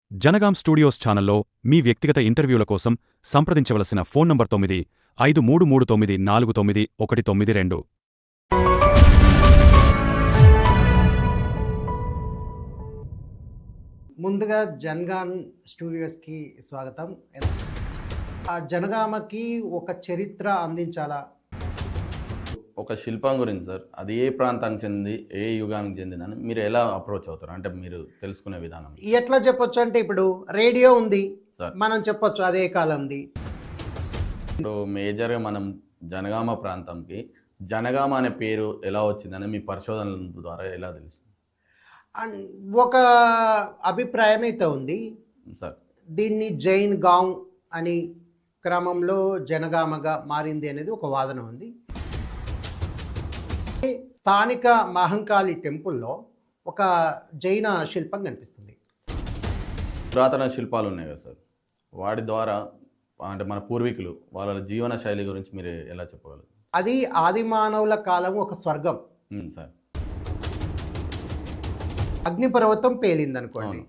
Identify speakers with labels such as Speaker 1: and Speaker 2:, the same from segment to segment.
Speaker 1: Jangaon studios ఛానల్లో మీ వ్యక్తిగత ఇంటర్వ్యూల కోసం సంప్రదించవలసిన ఫోన్ నంబర్ 9533949192.
Speaker 2: ముందుగా జనగాం స్టూడియోస్కి స్వాగతం. ఆ జనగామకి ఒక చరిత్ర అందించాలా?
Speaker 3: ఒక శిల్పం గురించి సార్, అది ఏ ప్రాంతానికి చెంది ఏ యుగానికి చెందిందని మీరు ఎలా అప్రోచ్ అవుతారు? అంటే మీరు తెలుసుకునే విధానం
Speaker 2: ఎట్లా చెప్పొచ్చు అంటే, ఇప్పుడు రేడియో ఉంది,
Speaker 3: సార్.
Speaker 2: మనం చెప్పొచ్చు అదే కాలంది.
Speaker 3: ఇప్పుడు మేజర్గా మనం జనగామ ప్రాంతంకి జనగామ అనే పేరు ఎలా వచ్చిందని మీ పరిశోధనల ద్వారా ఎలా తెలుస్తుంది
Speaker 2: అండ్ ఒక అభిప్రాయం అయితే ఉంది,
Speaker 3: సార్?
Speaker 2: దీన్ని జైన్ గాంవ్ అని క్రమంలో జనగామగా మారింది అనేది ఒక వాదన ఉంది. స్థానిక మహంకాళి టెంపుల్లో ఒక జైన శిల్పం కనిపిస్తుంది.
Speaker 3: పురాతన శిల్పాలు ఉన్నాయి కదా సార్, వాటి ద్వారా అంటే మన పూర్వీకులు వాళ్ళ జీవన శైలి గురించి మీరు ఎలా చెప్పగలరు?
Speaker 2: అది ఆది మానవుల కాలం ఒక స్వర్గం.
Speaker 3: సార్,
Speaker 2: అగ్నిపర్వతం పేలిందనుకోండి.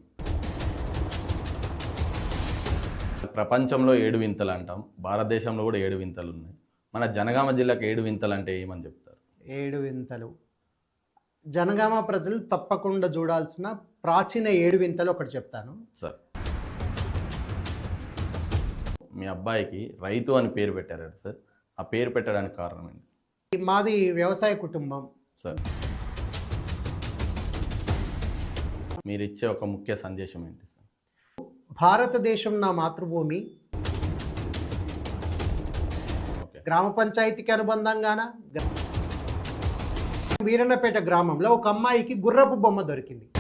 Speaker 3: ప్రపంచంలో 7 వింతలు అంటాం, భారతదేశంలో కూడా 7 వింతలు ఉన్నాయి. మన జనగామ జిల్లాకు 7 వింతలు అంటే ఏమని చెప్తారు?
Speaker 2: 7 వింతలు జనగామ ప్రజలు తప్పకుండా చూడాల్సిన ప్రాచీన 7 వింతలు ఒకటి చెప్తాను
Speaker 3: సార్. మీ అబ్బాయికి రైతు అని పేరు పెట్టారు సార్, ఆ పేరు పెట్టడానికి కారణం ఏంటి?
Speaker 2: మాది వ్యవసాయ కుటుంబం
Speaker 3: సార్. మీరు ఇచ్చే ఒక ముఖ్య సందేశం ఏంటి సార్?
Speaker 2: భారతదేశం నా మాతృభూమి. గ్రామ పంచాయతీకి అనుబంధంగాన వీరన్నపేట గ్రామంలో ఒక అమ్మాయికి గుర్రపు బొమ్మ దొరికింది.